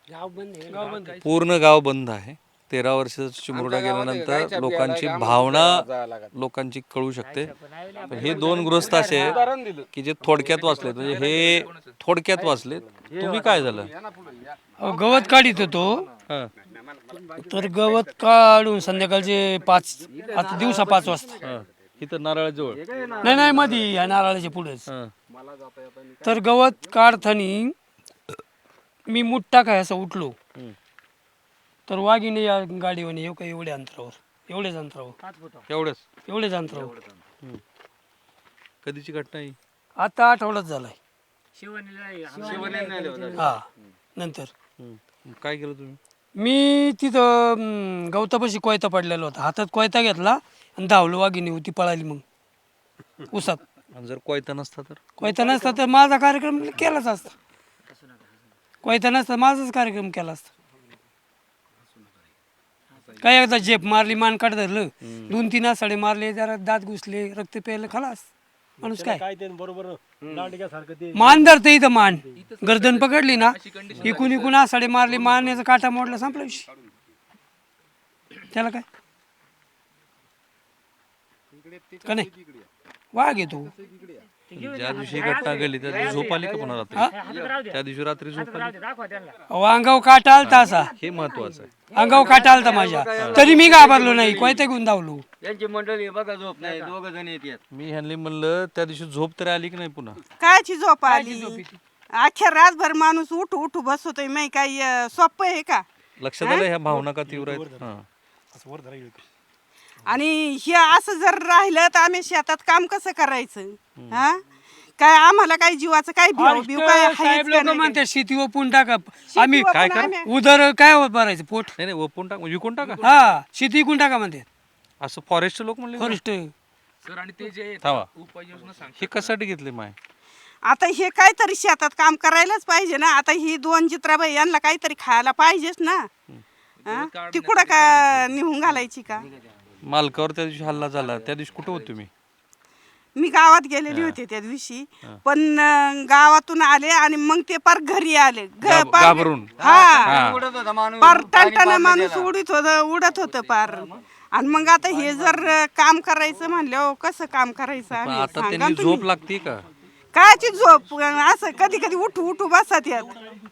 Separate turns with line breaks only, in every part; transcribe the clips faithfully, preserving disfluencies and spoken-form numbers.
पूर्ण गाव बंद आहे. तेरा वर्षाचा चिमुरडा गेल्यानंतर लोकांची भावना लोकांची कळू शकते. पण हे दोन गृहस्थ असे आहेत की जे थोडक्यात वाचलेत, म्हणजे हे थोडक्यात वाचलेत. तुम्ही काय झालं?
अहो, गवत काढित होतो.
हां
तर गवत काढून संध्याकाळचे पाच आता दिवसा पाच वाजता
हां इथं नारळाजवळ.
नाही नाही मध्ये या नारळाच्या पुढेच.
हां
तर गवत काढतानी मी मूठ टाकाय असं उठलो
हं.
तर वाघिणी या गाडीवर येऊ का एवढ्या अंतरावर एवढ्याच अंतरावर
एवढंच.
एवढ्याच अंतरावर
हं. कधीची घटना ही?
आता आठवडाच झालाय. हा नंतर
हं. काय केलं तुम्ही?
मी तिथं अं, गवतापाशी कोयता पडलेला होता. हातात कोयता घेतला आणि धावलो. वाघिणी होती पळाली. मग उसात
आणि जर कोयता नसता तर?
कोयता नसता तर माझा कार्यक्रम केलाच असता. कोयता नसता माझाच कार्यक्रम केला असता. काय एकदा झेप मारली, मान काढ धरलं, दोन तीन आसाडे मारले, जरा दात घुसले, रक्त प्यायलं, खलास माणूस. काय मान धरते इथं, मान गर्दन पकडली ना, इकून इकून आसाडे मारली, मानेचा काटा मोडला, संपला विषय. त्याला काय का नाही वाघ येतो.
ज्या दिवशी घटना घडली त्या दिवशी झोप आली का पुन्हा रात्री? त्या दिवशी रात्री झोप आली?
अंगाव काटा आलता असा.
हे महत्वाचं आहे.
अंगाव काटा आलता माझ्या, तरी मी घाबरलो नाही. कोयता घेऊन धावलो.
यांची मंडळी बघा झोप नाही, दोघ जण येतात.
मी ह्यांनी म्हणलं त्या दिवशी झोप तरी आली की नाही पुन्हा?
कायची झोप आली? अख्ख्या रातभर माणूस उठू उठू बसतोय. मी काही सोपं आहे का?
लक्षात आलं ह्या भावना का तीव्र आहेत? हां.
आणि हे असं जर राहिलं तर आम्ही शेतात काम कसं करायचं? हा काय आम्हाला काही जीवाचं काही भिव भिव काय आहेच
साहेब
का
लोक
नाही?
म्हणते शेती ओपून टाका. आम्ही
शेती
काय
ओपून
करा?
आम्ही-
उदर काय भरायचं पोट.
नाही नाही ओपून टाक, विकून टाका
हा शेती विकून टाका म्हणते
असं फॉरेस्ट लोक म्हणले.
फॉरेस्ट.
थांबा, हे कशासाठी घेतले माय?
आता हे काहीतरी शेतात काम करायलाच पाहिजे ना. आता ही दोन चित्राबाई यांना काहीतरी खायला पाहिजेच ना. हा? ती कुठं का निघून घालायची का?
मालकावर त्या दिवशी हल्ला झाला, त्या दिवशी कुठे होते तुम्ही?
मी गावात गेलेली होते त्या दिवशी, पण अं, गावातून आले आणि मग ते पार घरी आले. घ-
घाब-
पार-
घाबरून.
हा
उडत होता माणूस,
पार
पाणी
टणटण
पाजलं
माणूस
त्याला.
उडीत होत उडत होतं पार. आणि मग आता हे जर काम करायचं म्हणलं कसं काम करायचं
पण
आम्ही?
आता
सांगा
त्यांनी
ना
झोप
तुम्ही.
लागते का?
कायची झोप? असं कधी कधी उठू उठू बसत यात.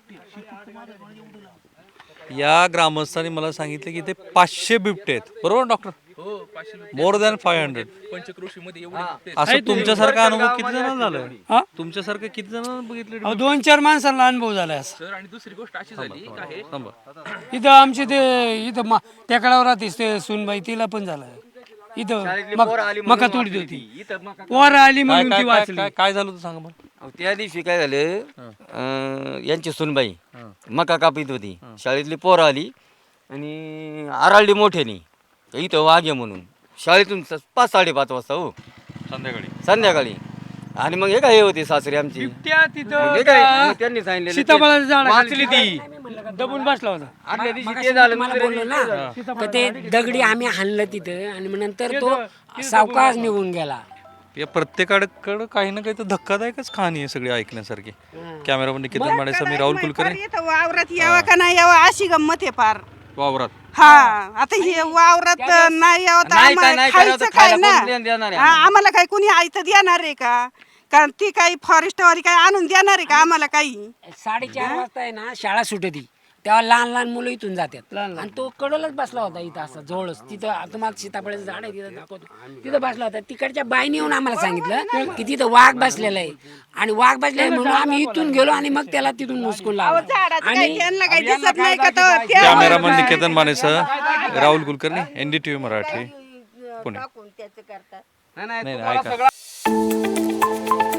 या ग्रामस्थांनी मला सांगितलं की ते पाचशे बिबटे आहेत, बरोबर doctor? More than five hundred. असं तुमच्यासारखा अनुभव किती जणांना झालाय?
हा?
तुमच्यासारखं किती जणांना बघितलं?
अहो, दोन चार माणसांना अनुभव झालाय असा.
आणि दुसरी गोष्ट अशी झाली का हे
थांबा.
इथं आमचे ते इथं मा- टेकडावर राहतेस ते सुनबाई, तिला पण झालाय. इथं मक- मका तोडीत होती, पोर आली
काय
म्हणून
काय
ती
काय
वाचली.
काय- काय झालं होतं सांगा मला.
अहो, त्या दिवशी काय झालं, अं, यांची सुनबाई मका कापीत होती. शाळेतली पोरं आली आणि आराळली मोठ्यानी इथं वाघ आहे म्हणून. शाळेतून स- पाच साडेपाच वाजता हो
संध्याकाळी
संध्याकाळी. आणि मग हे काय हे होते सासरे आमची.
त्या
मग
तिथं
हे काय मग त्यांनी सांगितलेलं ते-
सीताफळाचं झाड
वाचली ती.
दबून बसला होता.
आदल्या दिवशी ते झालं,
मला
दुसऱ्या
बोललो
दिवशी ते
ना
झालं.
तर ते दगडी आम्ही हाणलं तिथं आणि मग नंतर तो सावकाश निघून गेला.
या प्रत्येकाकडं काही ना काही तर धक्कादायकच कहाणी आहे सगळी ऐकण्यासारखी. कॅमेरामन निकेतन माडेचा, मी राहुल कुलकर्णी,
पार इथं वावरात यावं का नाही यावं अशी गंमत आहे पार.
वावरात.
हा आता हे वावरात नाही यावं तर
नाही काय
आम्हाला
नाही करावं तर
खायचं काय
खायला
ना?
कोण देणार आहे
हा, आम्हाला काही कुणी आयतं देणार आहे का? कारण ती काही फॉरेस्टवाली काही आणून देणार आहे का आम्हाला काही?
साडेचार वाजता आहे ना शाळा सुटती, तेव्हा लहान लहान मुलं इथून जातात आणि तो कडलच बसला होता इथं असं जवळच. तिथं तुम्हाला सीताफळाचं झाड आहे तिथं दाखवतो, तिथं बसला होता. तिकडच्या बाईने येऊन आम्हाला सांगितलं की तिथं वाघ बसलेला आहे आणि वाघ बसलेला आहे म्हणून आम्ही इथून गेलो आणि मग त्याला तिथून मुसकून लावला.
झाडाचं काही त्यांना काही दिसत नाही का? तर त्या-
कॅमेरामन निकेतन मानेसह राहुल कुलकर्णी, एनडीटीव्ही मराठी, पुणे.
नाही, नाही,
नाही,
तुम्हाला
ऐका.
सगळं